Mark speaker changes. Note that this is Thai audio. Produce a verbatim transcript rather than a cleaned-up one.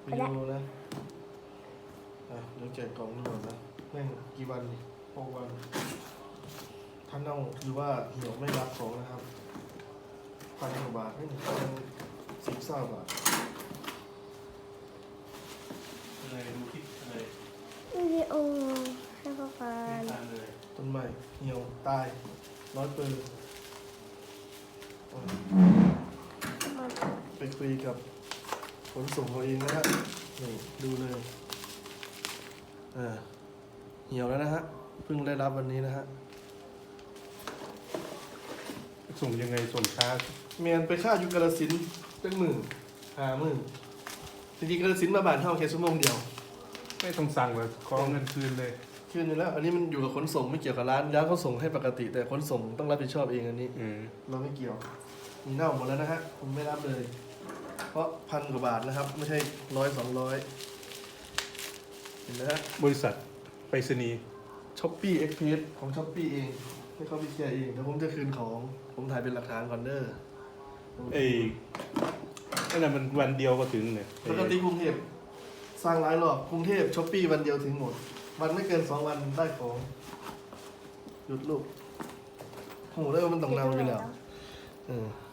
Speaker 1: วิดีโอนะอ่ะเดี๋ยวแกะกล่องนี่ก่อนนะแม่งกี่วันนี่หกวันท่านต้องคือว่าเหี่ยวไม่รับของนะครับพันกว่าบาทไม่ถึงพันสิบเศร้าบาท
Speaker 2: อะไรดูคลิปอะไร
Speaker 3: วิดีโอให้พ่อฟั
Speaker 2: ไม่
Speaker 3: ง
Speaker 2: ทานเลย
Speaker 1: ต้นไม้เหี่ยวตายร้อยเปอร์
Speaker 3: มัน
Speaker 1: ไปคุยกับขนส่งเขาเองนะฮะนี่ดูเลยอ่าเหี่ยวแล้วนะฮะเพิ่งได้รับวันนี้นะฮะ
Speaker 2: ส่งยังไงส่งช้า
Speaker 1: เมียนไปค่าอยู่กาฬสินธุ์เป็นหมื่นหาหมื่นจริงๆกาฬสินธุ์มาบานเท่าแค่ชั่วโมงเดียว
Speaker 2: ไม่ต้องสั่งเลยขอเงินคืนเลย
Speaker 1: คืนอยู่แล้วอันนี้มันอยู่กับขนส่งไม่เกี่ยวกับร้านร้านเขาส่งให้ปกติ แต่ขนส่งต้องรับผิดชอบเองอันนี้
Speaker 2: อืม
Speaker 1: เราไม่เกี่ยวมีเน่าหมดแล้วนะฮะผมไม่รับเลย เพราะพันกว่าบาทนะครับ ไม่ใช่ร้อยสองร้อยเห็นไหมฮะ
Speaker 2: บริษัทไปรษณีย์
Speaker 1: ช้อปปี้เอ็กเพสของช้อปปี้เองให้เขาไปเคลียร์เองเดี๋ยวผมจะคืนของผมถ่ายเป็นหลักฐานก่อนเด้อ
Speaker 2: ไอ้ไอ้นั่นมันวันเดียวก็ถึงเนี่ย
Speaker 1: ปกติกรุงเทพสร้างหลายรอบกรุงเทพช้อปปี้วันเดียวถึงหมดวันไม่เกินสองวันได้ของหยุดลูกโหได้ว่ามันต้องนำอยู่แล้วเออ